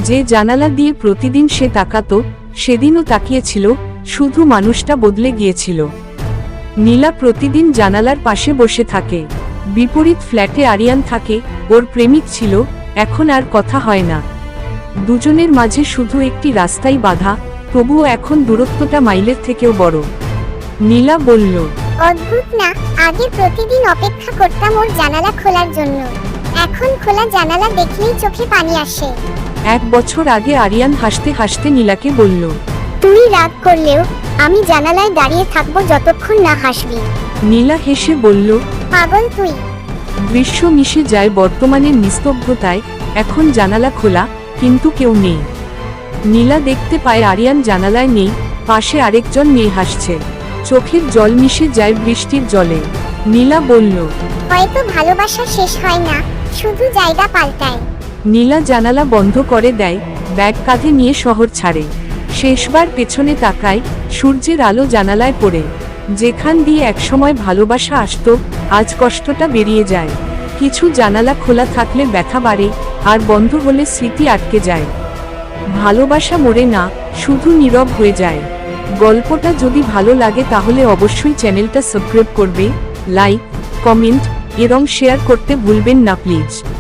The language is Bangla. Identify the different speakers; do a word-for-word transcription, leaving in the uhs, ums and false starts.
Speaker 1: যে জানালা দিয়ে প্রতিদিন সে তাকাতো সেদিনও তাকিয়েছিল, শুধু মানুষটা বদলে গিয়েছিল। নীলা প্রতিদিন জানালার পাশে বসে থাকে। বিপরীত ফ্ল্যাটে আরিয়ান থাকে, ওর প্রেমিক ছিল, এখন আর কথা হয় না। দুজনের মাঝে শুধু একটি রাস্তাই বাধা, তবুও এখন দূরত্বটা মাইলের থেকেও বড়। নীলা বলল,
Speaker 2: অদ্ভুত না, আগে প্রতিদিন অপেক্ষা করতাম ওর জানালা খোলার জন্য, এখন খোলা জানালা দেখলেই চোখে পানি আসে।
Speaker 1: এক বছর আগে আরিয়ান হাসতে হাসতে নীলাকে বলল,
Speaker 2: তুই রাগ করলেও আমি জানালায় দাঁড়িয়ে থাকবো যতক্ষণ না হাসবি।
Speaker 1: নীলা হেসে বলল,
Speaker 2: পাগল তুই।
Speaker 1: দৃশ্য মিশে যায় বর্তমানের নিস্তব্ধতায়। এখন জানালা খোলা, কিন্তু কেউ নেই। নীলা দেখতে পায় আরিয়ান জানালায় নেই, পাশে আরেকজন মেয়ে হাসছে। চোখের জল মিশে যায় বৃষ্টির জলে। নীলা বলল,
Speaker 2: হয়তো ভালোবাসা শেষ হয় না, শুধু জায়গা পাল্টায়।
Speaker 1: নীলা জানালা বন্ধ করে দেয়, ব্যাগ কাঁধে নিয়ে শহর ছাড়ে। শেষবার পেছনে তাকায়, সূর্যের আলো জানালায় পড়ে। যেখান দিয়ে একসময় ভালোবাসা আসতো, আজ কষ্টটা বেরিয়ে যায়। কিছু জানালা খোলা থাকলে ব্যথা বাড়ে, আর বন্ধ হলে স্মৃতি আটকে যায়। ভালোবাসা মরে না, শুধু নীরব হয়ে যায়। গল্পটা যদি ভালো লাগে তাহলে অবশ্যই চ্যানেলটা সাবস্ক্রাইব করবে, লাইক, কমেন্ট এবং শেয়ার করতে ভুলবেন না প্লিজ।